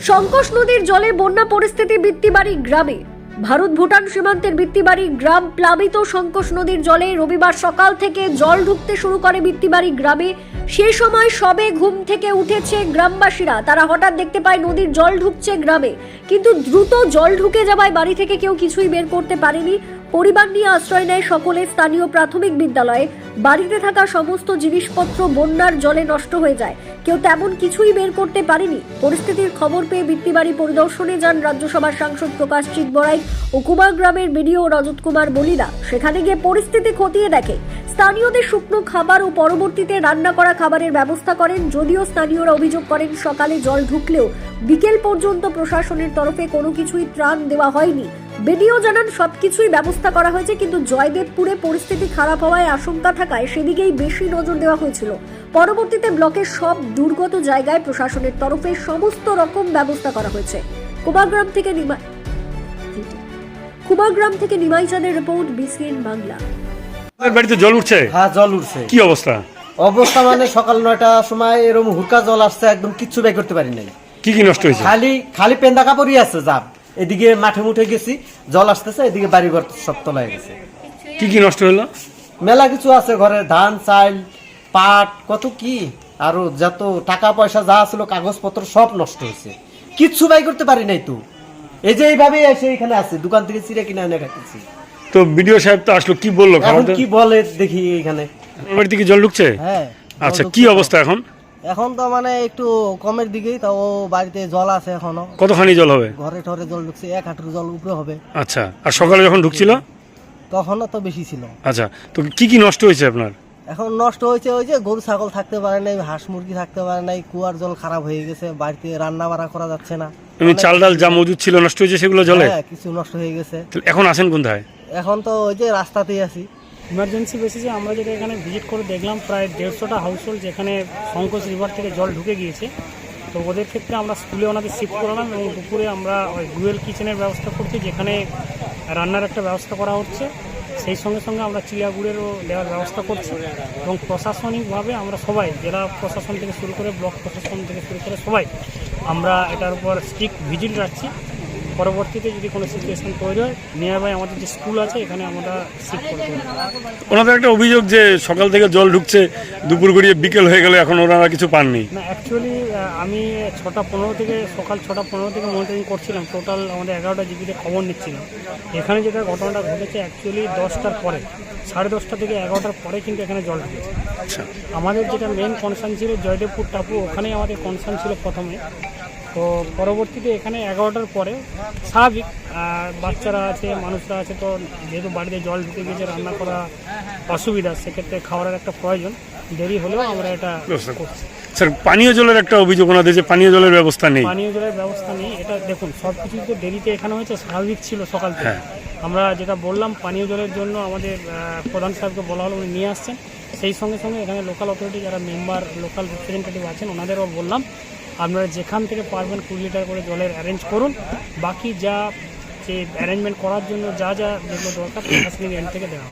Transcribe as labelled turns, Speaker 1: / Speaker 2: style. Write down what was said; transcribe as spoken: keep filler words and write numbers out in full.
Speaker 1: শঙ্কোষ নদীর জলে বন্যা পরিস্থিতি বিত্তিবাড়ি গ্রামে। ভারত ভুটান সীমান্তের বিত্তিবাড়ি গ্রাম প্লাবিত। শঙ্কোষ নদীর জলে রবিবার সকাল থেকে জল ঢুকতে শুরু করে বিত্তিবাড়ি গ্রামে। সেই সময় সবে ঘুম থেকে উঠেছে গ্রামবাসীরা। তারা হঠাৎ দেখতে পায় নদীর জল ঢুকছে গ্রামে, কিন্তু দ্রুত জল ঢুকে যাওয়ায় বাড়ি থেকে কেউ কিছুই বের করতে পারেনি। পরিবার নিয়ে আশ্রয় নেয় সকলে স্থানীয় প্রাথমিক বিদ্যালয়ে। বাড়িতে থাকা সমস্ত জিনিসপত্র বন্যার জলে নষ্ট হয়ে যায়, কেউ তেমন কিছুই বের করতে পারেনি। পরিস্থিতির খবর পেয়ে বিত্তিবাড়ি পরিদর্শনে যান রাজ্যসভার সাংসদ প্রকাশ চিতবড়াই ও কুমার গ্রামের বিডিও রজত কুমার বলিরা। সেখানে গিয়ে পরিস্থিতি খতিয়ে দেখে। স্থানীয়দের শুকনো খাবার ও পরবর্তীতে রান্না করা খাবারের ব্যবস্থা করেন। যদিও স্থানীয়রা অভিযোগ করেন সকালে জল ঢুকলেও বিকেল পর্যন্ত প্রশাসনের তরফে কোনো কিছুই ত্রাণ দেওয়া হয়নি। বিডিও জানান সবকিছুই ব্যবস্থা করা হয়েছে, কিন্তু জয়দেবপুরে পরিস্থিতি খারাপ হওয়ায় আশঙ্কা থাকায় সেদিকেই বেশি নজর দেওয়া হয়েছিল। পরবর্তীতে ব্লকের সব দুর্গত জায়গায় প্রশাসনের তরফে সমস্ত রকম ব্যবস্থা করা হয়েছে। কুমারগ্রাম থেকে নিমা কুমারগ্রাম থেকে নিমাই চাঁদের রিপোর্ট, বিসিএন বাংলা।
Speaker 2: বাড়িতে জল উঠছে?
Speaker 3: হ্যাঁ, জল উঠছে।
Speaker 2: কি অবস্থা?
Speaker 3: অবস্থা মানে সকাল নয়টার সময় এরকম হুরকা জল আসছে, একদম কিচ্ছু বের করতে পারি নাই।
Speaker 2: কি কি নষ্ট হয়েছে?
Speaker 3: খালি খালি পেন্দা কাপড়ই আছে। যাব এদিকে মাঠে মুঠে গেছি, জল আসতেছে, এদিকে বাড়ি ঘর সব তলায় গেছে।
Speaker 2: কি কি নষ্ট হলো?
Speaker 3: মেলা কিছু আছে ঘরে, ধান চাল পাট কত কি, আরো যত টাকা পয়সা যা ছিল কাগজপত্র সব নষ্ট হয়েছে, কিচ্ছু বাই করতে পারি নাই। তো এই যে এইভাবে এসে এখানে আছে, দোকান থেকে চিড়ে কিনে এনে খাচ্ছি।
Speaker 2: তো বিডিও সাহেব তো আসলো, কি বললো?
Speaker 3: এখন কি বলে দেখি। এখানে
Speaker 2: বাড়িতে কি জল ঢুকছে?
Speaker 4: হ্যাঁ।
Speaker 2: আচ্ছা, কি অবস্থা এখন?
Speaker 4: এখন তো মানে একটু কমের দিকেই, তাও বাড়িতে জল আছে এখনো।
Speaker 2: কতখানি জল হবে?
Speaker 4: ঘরে ঠরে জল ঢুকছে, এক হাঁটুর জল উপরে হবে।
Speaker 2: আচ্ছা, আর সকালে যখন ঢুকছিল
Speaker 4: তখনও তো বেশি ছিল।
Speaker 2: আচ্ছা, তো কি কি নষ্ট হয়েছে আপনার?
Speaker 4: এখন নষ্ট হয়েছে ওই যে গরু ছাগল থাকতে পারে নাই, হাঁস মুরগি থাকতে পারে নাই, কুয়ার জল খারাপ হয়ে গেছে, বাড়িতে রান্না বাড়া করা যাচ্ছে না।
Speaker 2: এমনি চাল ডাল যা মজুদ ছিল নষ্ট হয়েছে, সেগুলো জলে?
Speaker 4: হ্যাঁ, কিছু নষ্ট হয়ে গেছে।
Speaker 2: এখন আসেন কোথায়?
Speaker 4: এখন তো ওই যে রাস্তাতেই আছি।
Speaker 5: ইমার্জেন্সি বেসিসে আমরা যেটা এখানে ভিজিট করে দেখলাম, প্রায় দেড়শোটা হাউসহোল্ড যেখানে শঙ্কোষ রিভার থেকে জল ঢুকে গিয়েছে। তো ওদের ক্ষেত্রে আমরা স্কুলে ওনাদের শিফট করলাম এবং দুপুরে আমরা ওই ডুয়েল কিচেনের ব্যবস্থা করছি, যেখানে রান্নার একটা ব্যবস্থা করা হচ্ছে। সেই সঙ্গে সঙ্গে আমরা চিড়া গুড়েরও দেওয়ার ব্যবস্থা করছি এবং প্রশাসনিকভাবে আমরা সবাই, জেলা প্রশাসন থেকে শুরু করে ব্লক প্রশাসন থেকে শুরু করে সবাই আমরা এটার উপর স্ট্রিক্ট ভিজিট রাখছি। পরবর্তীতে যদি কোনো সিচুয়েশন তৈরি হয়, নিয়ার বাই আমাদের যে স্কুল আছে এখানে আমরা শিফট করতে পারি।
Speaker 2: ওনাদের একটা অভিযোগ যে সকাল থেকে জল ঢুকছে, দুপুর গড়িয়ে বিকেল হয়ে গেলে এখন ওনারা কিছু পাননি।
Speaker 5: না, অ্যাকচুয়ালি আমি ছটা পনেরো থেকে সকাল ছটা পনেরো থেকে মনিটরিং করছিলাম, টোটাল আমাদের এগারোটা জিবিতে খবর নিচ্ছিলাম। এখানে যেটা ঘটনাটা ঘটেছে অ্যাকচুয়ালি দশটার পরে, সাড়ে দশটা থেকে এগারোটার পরে কিন্তু এখানে জল ঢুকেছে।
Speaker 2: আচ্ছা,
Speaker 5: আমাদের যেটা মেন কনসার্ন ছিল জয়দেবপুর টাপু, ওখানেই আমাদের কনসার্ন ছিল প্রথমে। তো পরবর্তীতে এখানে এগারোটার পরে স্বাভাবিক বাচ্চারা আছে, মানুষরা আছে, তো যেহেতু বাড়িতে জল ঢুকে গিয়েছে, রান্না করা অসুবিধা, সেক্ষেত্রে খাবারের একটা প্রয়োজন, দেরি হলেও আমরা এটা করছি।
Speaker 2: স্যার, পানীয় জলের একটা অভিযোগ ওনাদের যে পানীয় জলের ব্যবস্থা নেই।
Speaker 5: পানীয় জলের ব্যবস্থা নেই, এটা দেখুন সব কিছু তো দেরিতে এখানে হয়েছে, স্বাভাবিক ছিল সকাল থেকে। আমরা যেটা বললাম পানীয় জলের জন্য আমাদের প্রধান সাহেবকে বলা হলো, উনি নিয়ে আসছেন। সেই সঙ্গে সঙ্গে এখানে লোকাল অথরিটি যারা মেম্বার, লোকাল রিপ্রেজেন্টেটিভ আছেন, ওনাদেরও বললাম আপনারা যেখান থেকে পারবেন কুড়ি লিটার করে জলের অ্যারেঞ্জ করুন। বাকি যা যে অ্যারেঞ্জমেন্ট করার জন্য যা যা যেগুলো দরকার প্রশাসনিক এন্ড থেকে দেওয়া।